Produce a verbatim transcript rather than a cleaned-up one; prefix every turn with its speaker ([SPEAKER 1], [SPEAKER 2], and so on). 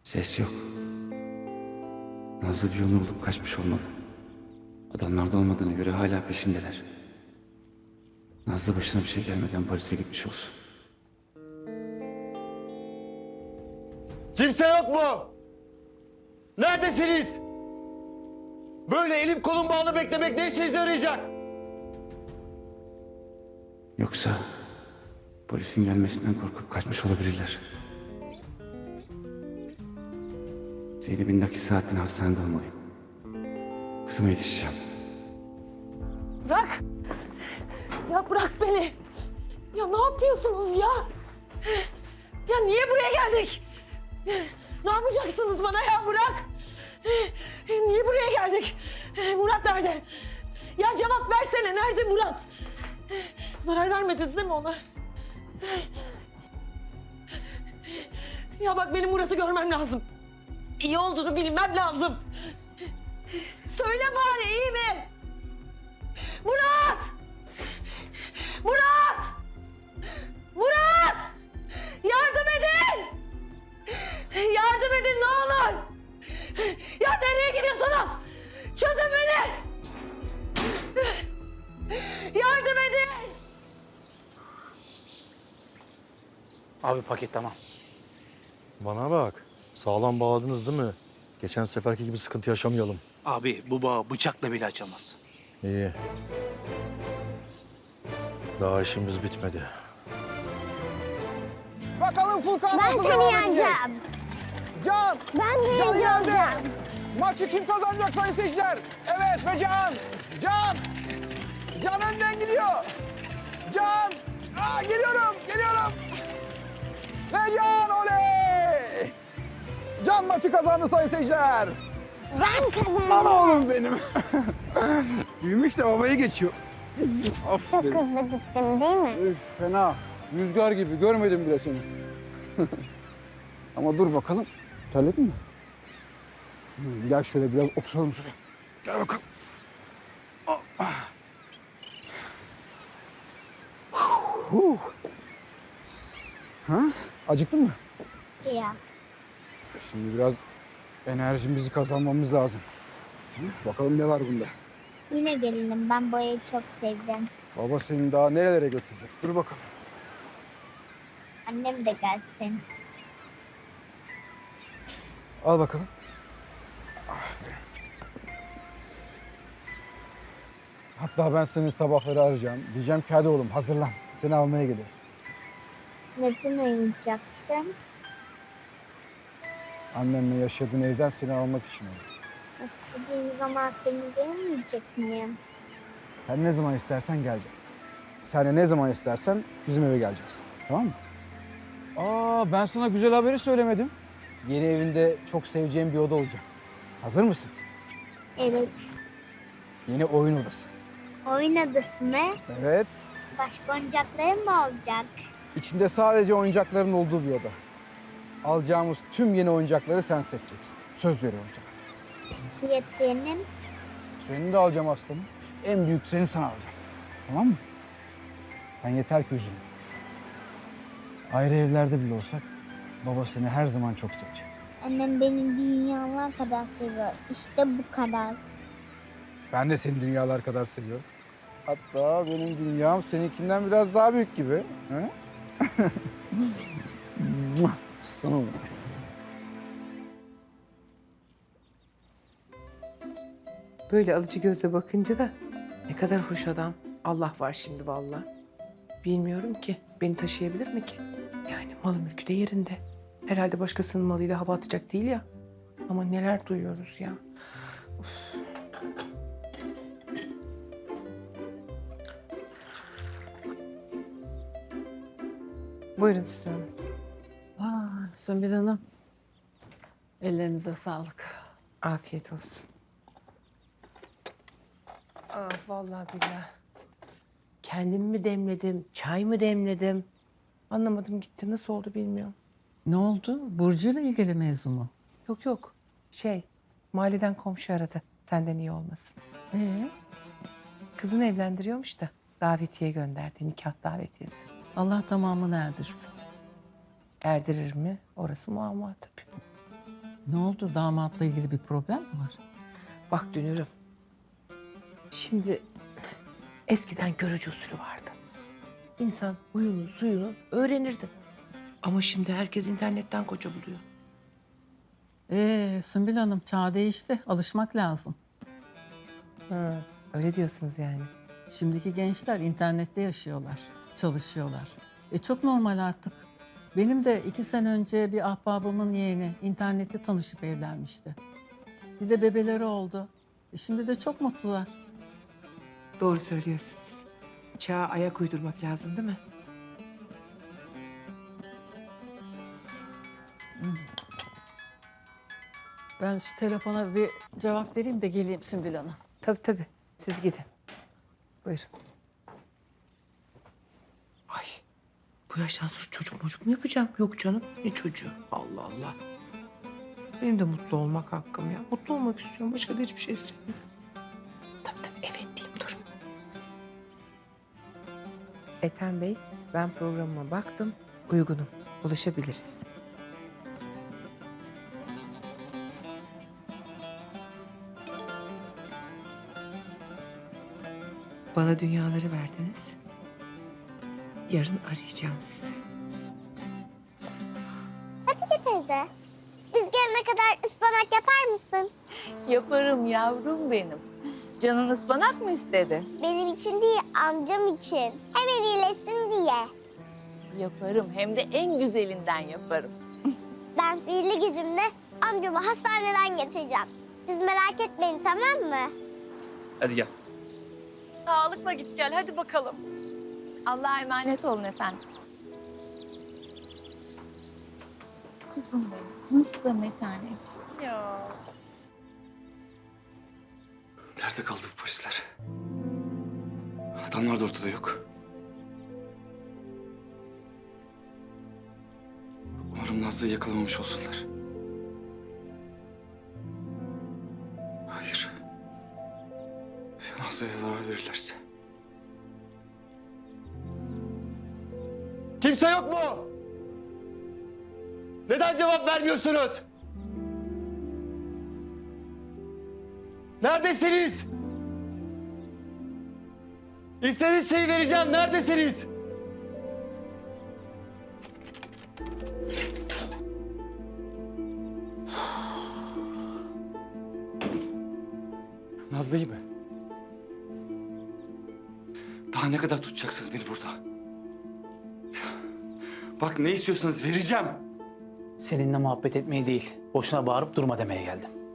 [SPEAKER 1] Ses yok. Nazlı bir yolunu bulup kaçmış olmalı. Adamlarda olmadığına göre hala peşindeler. Nazlı başına bir şey gelmeden polise gitmiş olsun.
[SPEAKER 2] Kimse yok mu? Neredesiniz? Böyle elim kolum bağlı beklemek ne işinize yarayacak?
[SPEAKER 1] Yoksa polisin gelmesinden korkup kaçmış olabilirler. Zeynep'in nakil saatini hastanede olmalıyım. Kızıma yetişeceğim.
[SPEAKER 3] Bırak! Ya bırak beni! Ya ne yapıyorsunuz ya? Ya niye buraya geldik? Ne yapacaksınız bana ya bırak? Niye buraya geldik? Murat nerede? Ya cevap versene, nerede Murat? Zarar vermediniz değil mi ona? Ya bak benim Murat'ı görmem lazım. İyi olduğunu bilmem lazım. Söyle bari, iyi mi? Murat! Murat! Murat! Yardım edin! Yardım edin ne olur! Ya nereye gidiyorsunuz? Çözün beni! Yardım edin!
[SPEAKER 4] Abi paket tamam.
[SPEAKER 5] Bana bak. Sağlam bağladınız değil mi? Geçen seferki gibi sıkıntı yaşamayalım.
[SPEAKER 4] Abi bu bağı bıçakla bile açamaz.
[SPEAKER 5] İyi. Daha işimiz bitmedi.
[SPEAKER 6] Bakalım Furkan
[SPEAKER 7] Ben
[SPEAKER 6] nasıl
[SPEAKER 7] seni
[SPEAKER 6] devam edecek?
[SPEAKER 7] yeneceğim.
[SPEAKER 6] Can!
[SPEAKER 7] Ben
[SPEAKER 6] Can
[SPEAKER 7] birinci
[SPEAKER 6] ileride!
[SPEAKER 7] olacağım.
[SPEAKER 6] Maçı kim kazanacak sayın seyirciler? Evet ve Can! Can! Can önden gidiyor! Can! Aa, geliyorum, geliyorum! Ve Can oley! Can maçı kazandı sayın seyirciler!
[SPEAKER 7] Ben kazandım.
[SPEAKER 6] Lan oğlum benim! Büyümüş de babayı geçiyor.
[SPEAKER 7] Çok
[SPEAKER 6] Aferin.
[SPEAKER 7] hızlı gittim değil mi?
[SPEAKER 6] Üf, fena. Rüzgar gibi. Görmedim bile seni. Ama dur bakalım. Terledin mi? Hı, gel şöyle biraz oturalım şuraya. Gel bakalım. Ah. Huh. Ha? Acıktın mı?
[SPEAKER 7] Ya.
[SPEAKER 6] Şimdi biraz enerjimizi kazanmamız lazım. Hı? Bakalım ne var bunda.
[SPEAKER 7] Yine gelinim. Ben boyayı çok sevdim.
[SPEAKER 6] Baba seni daha nerelere götürecek? Dur bakalım.
[SPEAKER 7] Annem de gelsin.
[SPEAKER 6] Al bakalım. Aferin. Hatta ben seni sabahları arayacağım. Diyeceğim ki hadi oğlum hazırlan. Seni almaya gelir.
[SPEAKER 7] Neden oynayacaksın?
[SPEAKER 6] Annenle yaşadığın evden seni almak için oldu.
[SPEAKER 7] İstediğim zaman seni görmeyecek miyim?
[SPEAKER 6] Sen ne zaman istersen geleceksin. Sen de ne zaman istersen bizim eve geleceksin. Tamam mı? Aa, ben sana güzel haberi söylemedim. Yeni evinde çok seveceğim bir oda olacak. Hazır mısın?
[SPEAKER 7] Evet.
[SPEAKER 6] Yeni oyun odası.
[SPEAKER 7] Oyun adası mı?
[SPEAKER 6] Evet.
[SPEAKER 7] Başka oyuncakların mı olacak?
[SPEAKER 6] İçinde sadece oyuncakların olduğu bir oda. Alacağımız tüm yeni oyuncakları sen seçeceksin. Söz veriyorum sana.
[SPEAKER 7] Peki ya senin?
[SPEAKER 6] Treni de alacağım aslanım. En büyük treni sana alacağım. Tamam mı? Sen yeter ki üzülme. Ayrı evlerde bile olsak baba seni her zaman çok sevecek.
[SPEAKER 7] Annem beni dünyalar kadar seviyor. İşte bu kadar.
[SPEAKER 6] Ben de seni dünyalar kadar seviyorum. Hatta benim dünyam seninkinden biraz daha büyük gibi. He? Aslanım.
[SPEAKER 8] Böyle alıcı gözle bakınca da ne kadar hoş adam. Allah var şimdi vallahi. Bilmiyorum ki beni taşıyabilir mi ki? Yani malı mülkü de yerinde. Herhalde başkasının malıyla hava atacak değil ya. Ama neler duyuyoruz ya. Uf. Buyurun Süsen Hanım.
[SPEAKER 9] Aa, Sümbül Hanım. Ellerinize sağlık.
[SPEAKER 8] Afiyet olsun. Ah vallahi billahi. Kendim mi demledim, çay mı demledim? Anlamadım gitti. Nasıl oldu bilmiyorum.
[SPEAKER 9] Ne oldu? Burcu'yla ilgili mevzu mu?
[SPEAKER 8] Yok yok. Şey, mahalleden komşu aradı. Senden iyi olmasın.
[SPEAKER 9] Ee,
[SPEAKER 8] Kızını evlendiriyormuş da davetiye gönderdi. Nikah davetiyesi.
[SPEAKER 9] Allah tamamını erdirsin.
[SPEAKER 8] Erdirir mi? Orası muamma tabii.
[SPEAKER 9] Ne oldu? Damatla ilgili bir problem mi var?
[SPEAKER 8] Bak Dünür'üm. Şimdi eskiden görücü usulü vardı. İnsan huyunu suyunu öğrenirdi. Ama şimdi herkes internetten koca buluyor.
[SPEAKER 9] Ee, Sümbül Hanım çağ değişti. Alışmak lazım.
[SPEAKER 8] Ha, öyle diyorsunuz yani.
[SPEAKER 9] Şimdiki gençler internette yaşıyorlar, çalışıyorlar. E çok normal artık. Benim de iki sene önce bir ahbabımın yeğeni internette tanışıp evlenmişti. Bir de bebeleri oldu. E şimdi de çok mutlular.
[SPEAKER 8] Doğru söylüyorsunuz. Çağa ayak uydurmak lazım değil mi?
[SPEAKER 9] Ben şu telefona bir cevap vereyim de geleyim Sümbül Hanım.
[SPEAKER 8] Tabii tabii. Siz gidin. Buyurun. Ay. Bu yaştan sonra çocuk mocuk mu yapacağım? Yok canım. Ne çocuğu? Allah Allah. Benim de mutlu olmak hakkım ya. Mutlu olmak istiyorum. Başka da hiçbir şey istemiyorum. Tabii tabii. Evet diyeyim dur. Ethem Bey, ben programıma baktım. Uygunum. Buluşabiliriz. Bana dünyaları verdiniz. Yarın arayacağım sizi.
[SPEAKER 7] Hatice teyze, biz gelene kadar ıspanak yapar mısın?
[SPEAKER 3] Yaparım yavrum benim. Canın ıspanak mı istedi?
[SPEAKER 7] Benim için değil, amcam için. Hemen iyileşsin diye.
[SPEAKER 3] Yaparım. Hem de en güzelinden yaparım.
[SPEAKER 7] Ben sihirli gücümle amcamı hastaneden getireceğim. Siz merak etmeyin, tamam mı?
[SPEAKER 4] Hadi gel.
[SPEAKER 3] Sağlıkla git gel. Hadi bakalım. Allah'a emanet olun efendim.
[SPEAKER 7] Kızım benim, nasıl da metanet.
[SPEAKER 3] Ya.
[SPEAKER 1] Nerede kaldı bu polisler? Adamlar da ortada yok. Umarım Nazlı'yı yakalamamış olsunlar. Hayır. Ya Nazlı'ya zarar verirlerse?
[SPEAKER 2] Kimse yok mu? Neden cevap vermiyorsunuz? Neredesiniz? İstediğiniz şeyi vereceğim. Neredesiniz?
[SPEAKER 1] Nazlı'yı mı? Daha ne kadar tutacaksınız beni burada? Bak ne istiyorsanız vereceğim.
[SPEAKER 4] Seninle muhabbet etmeye değil, boşuna bağırıp durma demeye geldim.